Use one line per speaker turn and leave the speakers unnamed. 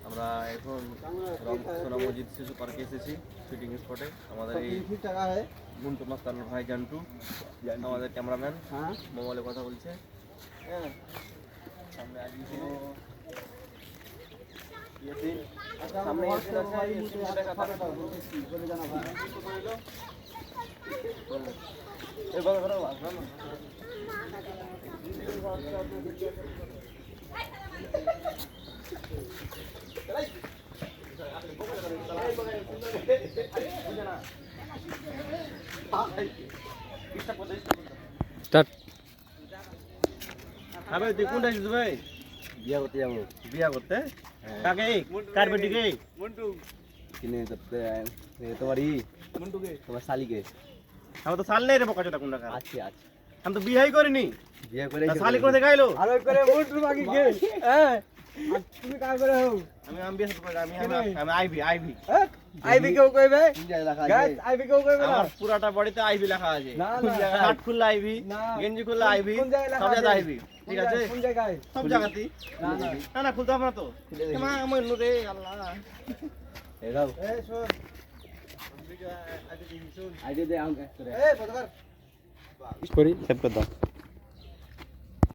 আমরা এখন সোনা মসজিদ শিশু পার্কে এসেছি শুটিং স্পটে। আমাদের এই গুন্টু মাস্তান ভাই জান্টু আমাদের ক্যামেরাম্যান মোবাইলে কথা বলছে। হ্যাঁ সামনে আসবি সামনে
স্টার্ট।
ভাই তুই কোনটা আসছিস ভাই?
বিয়া করতে যাবো।
বিয়া করতে? কাকে? কার বেটিকে?
কিনে করতে তোমারই তোমার শালিকে।
আমার তো সাল নেই রে বোকা চোদা কোন টাকা।
আছে আছে।
আমি তো বিয়াই করিনি।
বিয়া করে
শালি করে দেখাইলো।
আর ওই করে মন্টু বাকি কে? হ্যাঁ। আর তুমি কাজ করে হও।
আমি বিয়া করে আমি আইভি।
আইবি কেউ কইবে? গাইস আইবি কেউ কইবে না।
আমার পুরাটা বডিতে আইভি লেখা আছে।
না না
শার্ট খুললে আইভি, গেঞ্জি খুললে আইভি, সব জায়গায় আইভি। ঠিক আছে?
কোন জায়গায়?
সব জায়গাতেই।
না না
না খুলতে হবে না তো। মা আমার নুরে আল্লাহ।
এই দাও।
এই শোন।
আইডি দে আউট করে।
এই পদকার।
করি সেভ করে দাও।